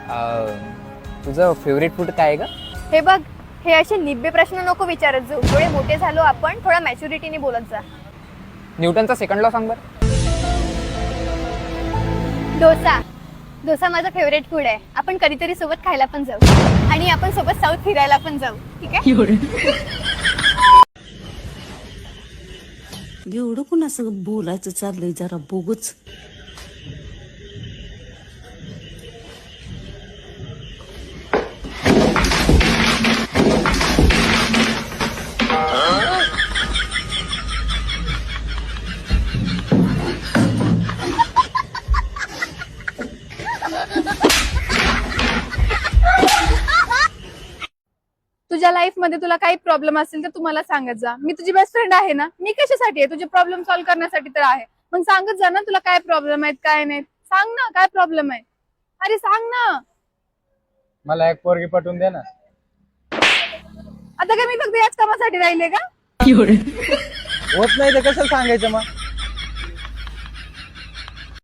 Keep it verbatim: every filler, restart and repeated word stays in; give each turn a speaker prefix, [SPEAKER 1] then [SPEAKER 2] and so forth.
[SPEAKER 1] तुझं favourite food काय आहे का?
[SPEAKER 2] हे बघ, हे असे निब्बे प्रश्न नको विचारत जाऊ. थोडे मोठे झालो आपण, थोडा मॅच्युरिटीने बोलत जा.
[SPEAKER 1] न्यूटनचा सेकंड लॉ सांग बरं.
[SPEAKER 2] डोसा. डोसा माझा फेवरेट फूड आहे. आपण कधीतरी सोबत खायला पण जाऊ आणि आपण सोबत साऊथ फिरायला पण जाऊ. ठीक आहे?
[SPEAKER 3] एवढं कोण असं बोलायचं चाललंय जरा बोगच.
[SPEAKER 4] तुझ्या लाईफ मध्ये तुला काही प्रॉब्लेम असेल तर तू मला सांगत जा. मी तुझी बेस्ट फ्रेंड आहे ना. मी कशासाठी आहे? तुझे प्रॉब्लेम सॉल्व्ह करण्यासाठी तर आहे. मग सांगत जा ना तुला काय प्रॉब्लेम आहेत काय नाहीत. सांग ना काय प्रॉब्लेम आहे. अरे सांग ना.
[SPEAKER 1] मला एक पोरगी पटवून दे ना.
[SPEAKER 4] आता काय मी फक्त याच कामासाठी राहिले का?
[SPEAKER 1] होत नाही तर कशाला सांगायचं मग.